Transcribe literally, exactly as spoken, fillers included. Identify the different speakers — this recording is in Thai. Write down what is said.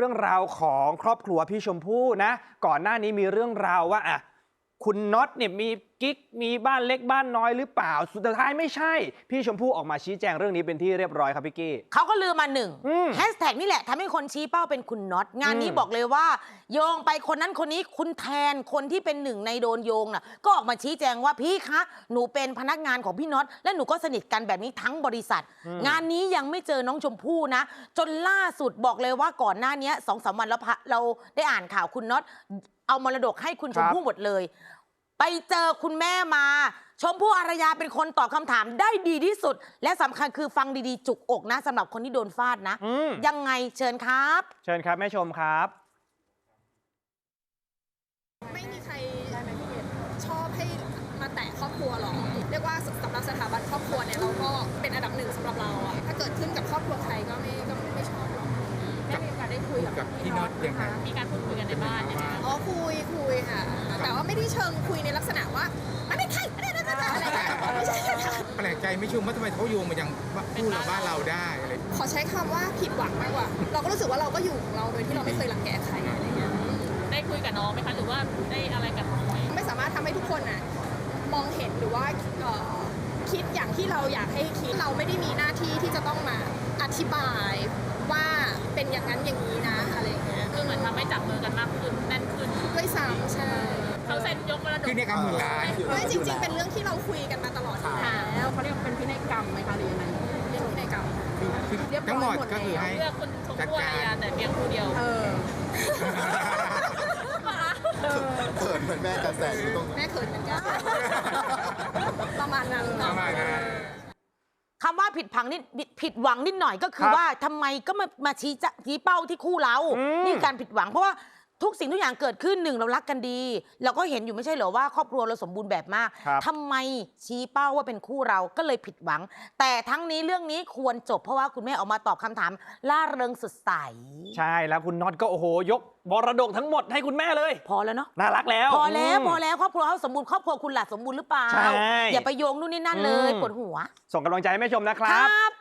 Speaker 1: รื่องราวของครอบครัวพี่ชมพู่นะก่อนหน้านี้มีเรื่องราวว่าอ่ะคุณน็อตเนี่ยมีกิ๊กมีบ้านเล็กบ้านน้อยหรือเปล่าสุดท้ายไม่ใช่พี่ชมพู่ออกมาชี้แจงเรื่องนี้เป็นที่เรียบร้อยครับพี่กี้
Speaker 2: เขาก็ลือมาหนึ่ง
Speaker 1: อืม
Speaker 2: แฮชแท็กนี่แหละทำให้คนชี้เป้าเป็นคุณน็อตงานนี้
Speaker 1: อืม
Speaker 2: บอกเลยว่า โยงไปคนนั้นคนนี้คุณแทนคนที่เป็นหนึ่งในโดนโยงน่ะก็ออกมาชี้แจงว่าพี่คะหนูเป็นพนักงานของพี่น็อตและหนูก็สนิทกันแบบนี้ทั้งบริษัท
Speaker 1: อืม
Speaker 2: งานนี้ยังไม่เจอน้องชมพู่นะ จนล่าสุดบอกเลยว่าก่อนหน้านี้สองสามวันแล้วพะเราได้อ่านข่าวคุณน็อตเอามรดกให้คุณชมพู่หมดเลย ไปเจอคุณแม่มา ชมพู่อารยาเป็นคนตอบคำถามได้ดีที่สุด และสำคัญคือฟังดีๆจุกอกนะสำหรับคนที่โดนฟาดนะ
Speaker 1: อืม
Speaker 2: ยังไงเชิญครับ
Speaker 1: เชิญครับแม่ชมครับ
Speaker 3: ไม่มีใครชอบให้มาแตะครอบครัวหรอกเรียกว่าสำหรับสถาบันครอบครัวเนี่ยเราก็เป็นอันดับหนึ่งสำหรับเราอะถ้าเกิดขึ้นกับครอบครัวใครก็ไม่ก็ไม่ชอบหรอกแม่มีโอกาสได้คุยกับพี่น็อตยังไงมีการพูดคุยกันในบ้านยังไงอ๋อคุยคุยค่ะแต่ว่าไม่ได้เชิงคุยในลักษณะว่ามันไม่ใช่อะไรนะอะไรไม่ใช่ค่ะ
Speaker 4: แปลกใจไม่ชมว่าทำไมเขาโยงมายังพูดเราบ้านเราได้อะไร
Speaker 3: ขอใช้คำว่าผิดหวังมากกว่า เราก็รู้สึกว่าเราก็อยู่ของเราโดยที่เราไม่เคยรังแกใครอะไรเงี้ย
Speaker 5: ได้คุยกับน้องไหมคะหรือว่าได้อะไรกับน้องไหม
Speaker 3: ไม่สามารถทำให้ทุกคนน่ะมองเห็นหรือว่าเอ่อคิดอย่างที่เราอยากให้คิดเราไม่ได้มีหน้าที่ที่จะต้องมาอธิบายว่าเป็นอย่างนั้นอย่างนี้นะอะไรอย่างเงี้ย
Speaker 5: คือเหมือนทำให้จับมือกันมากขึ้นแน่นขึ้น
Speaker 3: ด้วยซ้ำใช่
Speaker 5: เขาเซ็นยกมรดก
Speaker 4: คือในคำหมื่นล้าน
Speaker 3: ไม่จริง ๆ เป็นเรื่องที่เราคุยกันมาตลอดอยู่แล้วเขาเรียกเป็นพินัยกรรมไหมคะหรือยังไงเรียกพินัยกรรม
Speaker 4: คือคือทั้งหมดก็คือให้
Speaker 5: เลือกคุณชมพู่อารยาแต่เพียงผู้เดียว
Speaker 3: เออ
Speaker 6: เขินเหมือนแม่กระแสอยู่ตรง
Speaker 3: แม่เขินเหมือนกันประมาณนั้น
Speaker 4: ประมาณนั้น
Speaker 2: คำว่าผิดพังนิดผิดหวังนิดหน่อยก็คือ
Speaker 1: ครับ
Speaker 2: ว่าทำไมก็มามาชี้จะชี้เป้าที่คู่เรา
Speaker 1: อืม
Speaker 2: นี่การผิดหวังเพราะว่าทุกสิ่งทุกอย่างเกิดขึ้นหนึ่งเรารักกันดี เราก็เห็นอยู่ไม่ใช่เหรอว่าครอบครัวเราสมบูรณ์แบบมาก
Speaker 1: ครับ
Speaker 2: ทำไมชี้เป้าว่าเป็นคู่เราก็เลยผิดหวัง แต่ทั้งนี้เรื่องนี้ควรจบเพราะว่าคุณแม่ออกมาตอบคำถามล่าเริงสดใส
Speaker 1: ใช่แล้วคุณน็อตก็โอ้โหยกมรดกทั้งหมดให้คุณแม่เลย
Speaker 2: พอแล้วเนาะ
Speaker 1: น่ารักแล้ว
Speaker 2: พอแล้ว
Speaker 1: ม
Speaker 2: พอแล้วครอบครัวเขาสมบูรณ์ครอบครัวคุณล่ะสมบูรณ์หรือเปล่า
Speaker 1: ใช่
Speaker 2: อย่าไปโยงนู่นนี่นั่นเลย
Speaker 1: อืม
Speaker 2: ปวดหัว
Speaker 1: ส่งกำลังใจให้แม่ชมนะค
Speaker 2: ค
Speaker 1: รั
Speaker 2: รับ บ